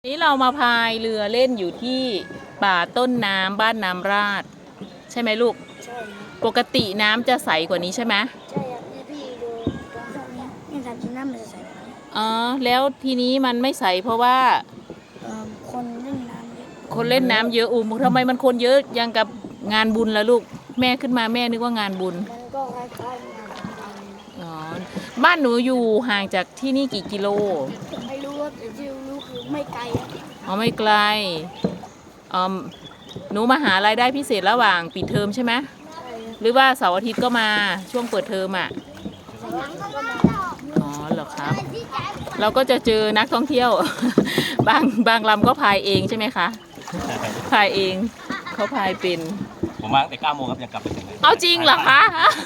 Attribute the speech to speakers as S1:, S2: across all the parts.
S1: นี้เรามาพายเรือเล่นอยู่ที่ป่าต้นน้ำบ้านน้ำราดใช่ไหมลูก
S2: ใช่ครับ
S1: ปกติน้ำจะใสกว่านี้ใช่ไหม
S2: ใช่ครับเนี่ยพี่ดูตรงช่วงนี้นี่ทำจริงน้ำมันจะใสกว่านี้
S1: อ๋อแล้วทีนี้มันไม่ใสเพราะว่า
S2: คนเล่นน้ำเยอะ
S1: คนเล่นน้ำเยอะทำไมมันคนเยอะยังกับงานบุญละลูกแม่ขึ้นมาแม่นึกว่างานบุญ
S2: มันก็คล้ายๆงานสำคัญ
S1: อ๋อบ้านหนูอยู่ห่างจากที่นี่กี่กิโล
S2: ไม่รู้ว่าแต่ที่รู้คือไม่ไกลอะ
S1: อ๋อไม่ไกลอ๋อหนูมาหารายได้พิเศษระหว่างปิดเทอมใช่ไหม
S2: ใช่ครับ
S1: หรือว่าเสาร์อาทิตย์ก็มาช่วงเปิดเทอมอ่ะ
S2: แต่ว่าก็มา
S1: อ๋อเหรอครับเราก็จะเจอนักท่องเที่ยว บางลำก็พายเองใช่ไหมคะพายเองเขาพายเป็น
S3: ผมมาตั้งแต่9 โมงครับยังกลับไปถึงเลย
S1: เอาจริงเหรอคะ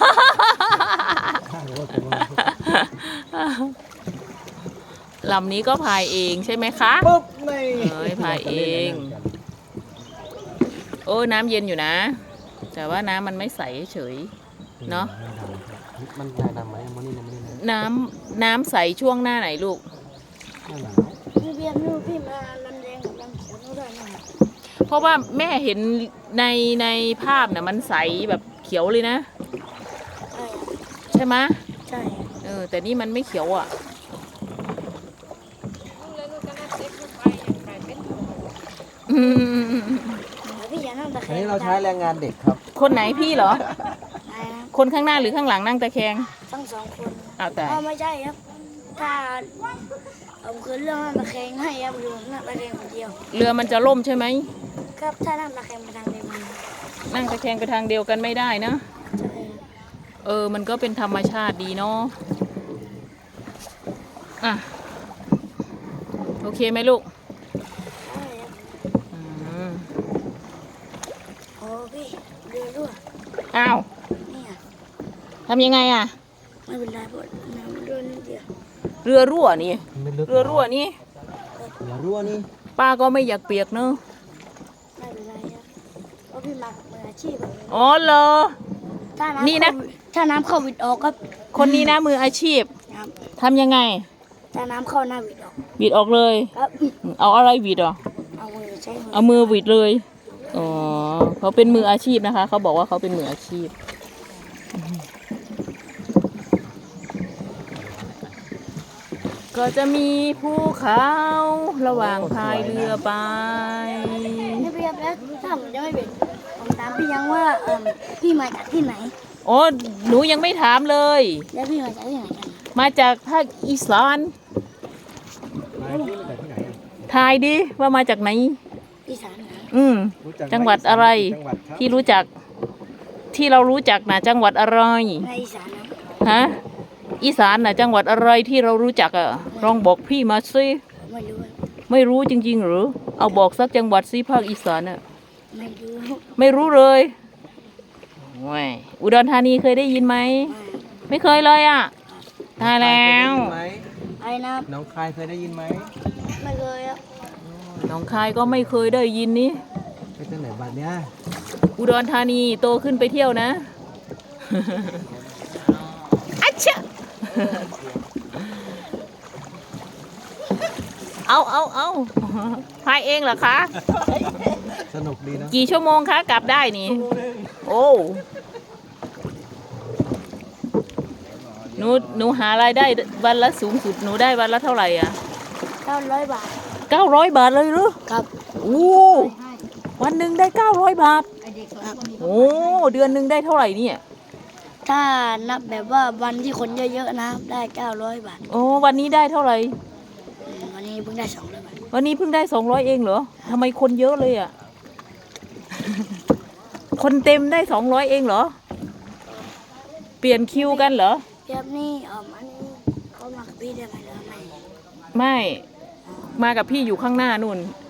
S1: ลำนี้ก็พายเองใช่ไหมคะ
S4: ปุ๊บไม่
S1: พายเองโอ้น้ำเย็นอยู่นะแต่ว่าน้ำมันไม่ใสเฉยเนาะ
S4: มันได้น้ำไหมมันนี่
S1: น้ำใสช่วงหน้าไหนลูก
S2: พี่เบียร์นู่นพี่มาลำแดงกับลำเขียวนู่นด้วยนะ
S1: เพราะว่าแม่เห็นในภาพน่ะมันใสแบบเขียวเลยนะใช่ไหม
S2: ใช่
S1: แต่นี่มันไม่เขียวอ่ะ
S2: พี่อย่านั่งตะแค
S4: อัน
S2: ง
S4: นี้เราใช้แรงงานเด็กครับ
S1: คนไหนพี่เหรอ
S2: ได้ครับ
S1: คนข้างหน้าหรือข้างหลังนั่งตะแคง
S2: ทั้งสองคน
S1: เอาแต่
S2: ไม่ใช่ครับถ้าผมคือเรื่องนั่งตะแคงให้ครับคือนั่งตะแคงคนเดียว
S1: เรือมันจะล่มใช่ไหม
S2: ครับถ้านั่งตะแคงไปทางเดียวกัน
S1: นั่งตะแคงไปทางเดียวกันไม่ได้นะ
S2: ใช่
S1: มันก็เป็นธรรมชาติดีเนาะอ่ะโอเคไหมลูก
S2: โอ้พี่เรือรั่ว
S1: อ้าว
S2: นี่
S1: ทำยังไงอ่ะ
S2: ไม่เป็นไรเพราะน้ำรั่วนิดเดียว
S1: เรือรั่วนี่เรือรั่วนี่ป้าก็ไม่อยากเปียกเนอะ
S2: ไม่เป็นไรครับเพราะพี่มากับมืออาชีพ
S1: อ๋อเหรอนี่นะ
S2: ถ้าน้ำเข้าวิดออกก็
S1: คนนี้นะมืออาชีพทำยังไง
S2: ถ้าน้ำเข้าหน้าวิดออก
S1: วิดออกเลย
S2: ครับ
S1: เอาอะไรวิดอ่ะเอามือวิดเลยอ๋อเขาเป็นมืออาชีพนะคะเขาบอกว่าเขาเป็นมืออาชีพก็จะมีภูเขาระหว่างพายเรือไป
S2: นี่พี่ครับแล้วถ้าผมจะไม่เป็นผมถามพี่ยังว่าพี่มาจากที่ไหน
S1: โอ้หนูยังไม่ถามเลย
S2: แล้วพี่มาจากที่ไหนกัน
S1: มาจากภาคอีสานทายดิว่ามาจากไหน
S2: อีสาน
S1: จังหวัดอะไรที่รู้จักที่เรารู้จักนะจังหวัดอะไร
S2: ในอีสาน
S1: ฮะอีสานน่ะจังหวัดอะไรที่เรารู้จักอ่ะลองบอกพี่มาสิไม่รู้จริงๆหรือเอาบอกสักจังหวัดสิภาคอีสานอ่ะไม่รู้เลยว้ยอุดรธานีเคยได้ยินไหมไม่เคยเลยอ่ะตายแล้ว
S2: ไอ้นะ
S4: น้องคายเคยได้ยินไหม
S2: ไม่เคยอ่ะ
S1: น้องคายก็ไม่เคยได้ยินนี่
S4: ไปที่ไหนบ้านเนี้ย
S1: อุดรธานีโตขึ้นไปเที่ยวนะอัชชะเอาพายเองเหรอคะ
S4: สนุกดีนะ
S1: กี่ชั่วโมงคะกลับได้นี่โอ้หนูหารายได้วันละสูงสุดหนูได้วันละเท่าไหร่อ่ะ
S2: 900 บาท
S1: 900 บาทเลยหรือ
S2: ครับ
S1: โอ้วันหนึ่งได้900 บาทโอ้เดือนหนึ่งได้เท่าไหร่เนี่ย
S2: ถ้านับแบบว่าวันที่คนเยอะๆนะได้900 บาท
S1: โอ้วันนี้ได้เท่าไหร่
S2: วันนี้เพิ่งได้200 บาท
S1: วันนี้เพิ่งได้200เองเหรอทำไมคนเยอะเลยอ่ะ คนเต็มได้200เองเหรอเปลี่ยนคิวกันเหรอ
S2: เดี๋ยวนี่อันนี้เขามากับพี่ได้ไหมหรือ
S1: ไม่มากับพี่อยู่ข้างหน้านู่น